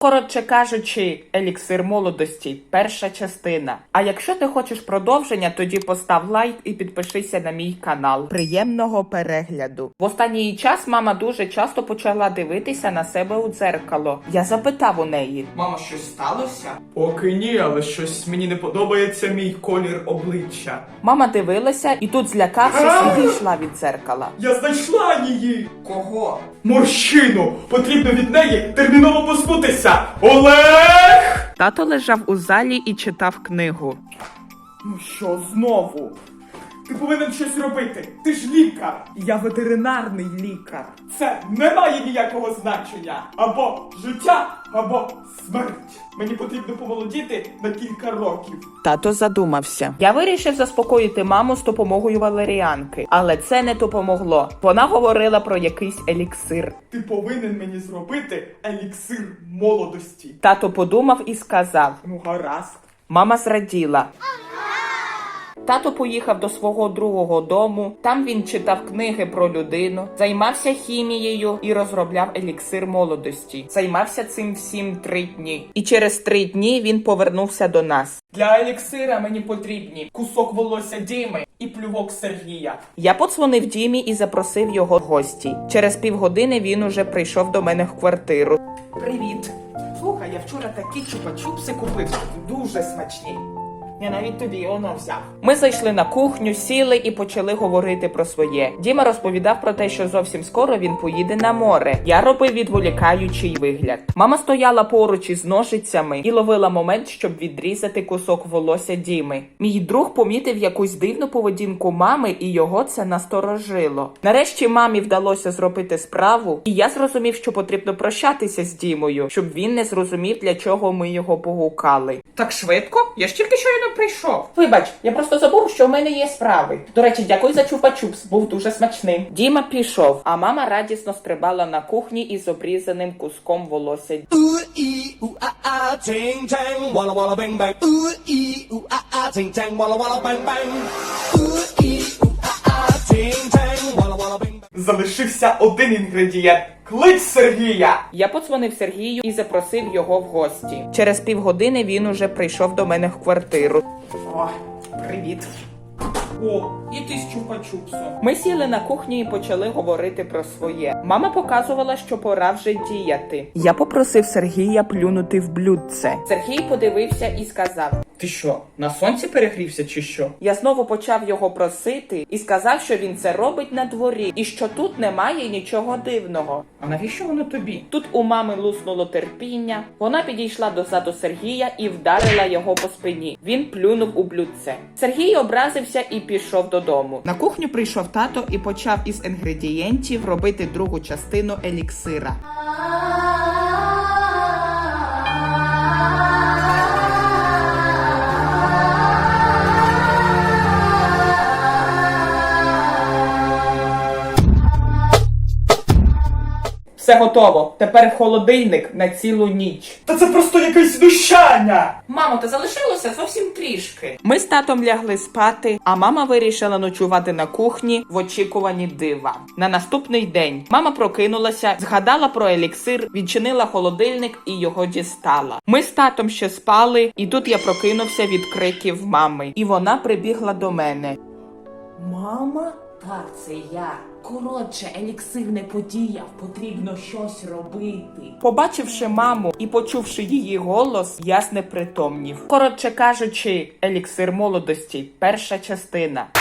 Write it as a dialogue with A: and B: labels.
A: Коротше кажучи, еліксир молодості, перша частина. А якщо ти хочеш продовження, тоді постав лайк і підпишися на мій канал. Приємного перегляду. В останній час мама дуже часто почала дивитися на себе у дзеркало. Я запитав у неї:
B: Мама, щось сталося? Поки ні, але щось мені не подобається мій колір обличчя.
A: Мама дивилася і тут, злякавшись, відійшла від дзеркала.
B: Я знайшла її! Кого? Морщину! Потрібно від неї терміново позбутися! Олег!
A: Тато лежав у залі і читав книгу.
B: Ну що знову? Ти повинен щось робити. Ти ж лікар.
A: Я ветеринарний лікар.
B: Це не має ніякого значення. Або життя, або смерть. Мені потрібно помолодіти на кілька років.
A: Тато задумався. Я вирішив заспокоїти маму з допомогою валеріанки, але це не допомогло. Вона говорила про якийсь еліксир.
B: Ти повинен мені зробити еліксир молодості.
A: Тато подумав і сказав.
B: Ну гаразд.
A: Мама зраділа. Тато поїхав до свого другого дому, там він читав книги про людину, займався хімією і розробляв еліксир молодості. Займався цим всім 3 дні. І через 3 дні він повернувся до нас.
B: Для еліксира мені потрібні кусок волосся Діми і плювок Сергія.
A: Я подзвонив Дімі і запросив його в гості. Через півгодини він уже прийшов до мене в квартиру.
B: Привіт. Слухай, я вчора такі чупа-чупси купив. Дуже смачні. Я навіть тобі воно взяв.
A: Ми зайшли на кухню, сіли і почали говорити про своє. Діма розповідав про те, що зовсім скоро він поїде на море. Я робив відволікаючий вигляд. Мама стояла поруч із ножицями і ловила момент, щоб відрізати кусок волосся Діми. Мій друг помітив якусь дивну поведінку мами, і його це насторожило. Нарешті мамі вдалося зробити справу, і я зрозумів, що потрібно прощатися з Дімою, щоб він не зрозумів, для чого ми його погукали.
B: Так швидко? Я ж тільки щойно прийшов.
A: Вибач, я просто забув, що в мене є справи. До речі, дякую за чупа-чупс, був дуже смачним. Діма пішов, а мама радісно стрибала на кухні із обрізаним куском волосся.
B: Залишився один інгредієнт. Клич Сергія!
A: Я подзвонив Сергію і запросив його в гості. Через півгодини він уже прийшов до мене в квартиру.
B: О, привіт. О, і ти з чупа-чупсом.
A: Ми сіли на кухні і почали говорити про своє. Мама показувала, що пора вже діяти. Я попросив Сергія плюнути в блюдце. Сергій подивився і сказав:
B: Ти що, на сонці перегрівся чи що?
A: Я знову почав його просити і сказав, що він це робить на дворі і що тут немає нічого дивного.
B: А навіщо воно тобі?
A: Тут у мами луснуло терпіння. Вона підійшла до заду Сергія і вдарила його по спині. Він плюнув у блюдце. Сергій образився і пішов додому. На кухню прийшов тато і почав із інгредієнтів робити другу частину еліксира.
B: Все готово. Тепер в холодильник на цілу ніч. Та це просто якесь знущання!
A: Мамо, та залишилося зовсім трішки. Ми з татом лягли спати, а мама вирішила ночувати на кухні в очікуванні дива. На наступний день мама прокинулася, згадала про еліксир, відчинила холодильник і його дістала. Ми з татом ще спали, і тут я прокинувся від криків мами. І вона прибігла до мене.
C: Мама? Так, це я. Коротше, еліксир не подіяв, потрібно щось робити.
A: Побачивши маму і почувши її голос, я знепритомнів. Коротше кажучи, еліксир молодості, перша частина.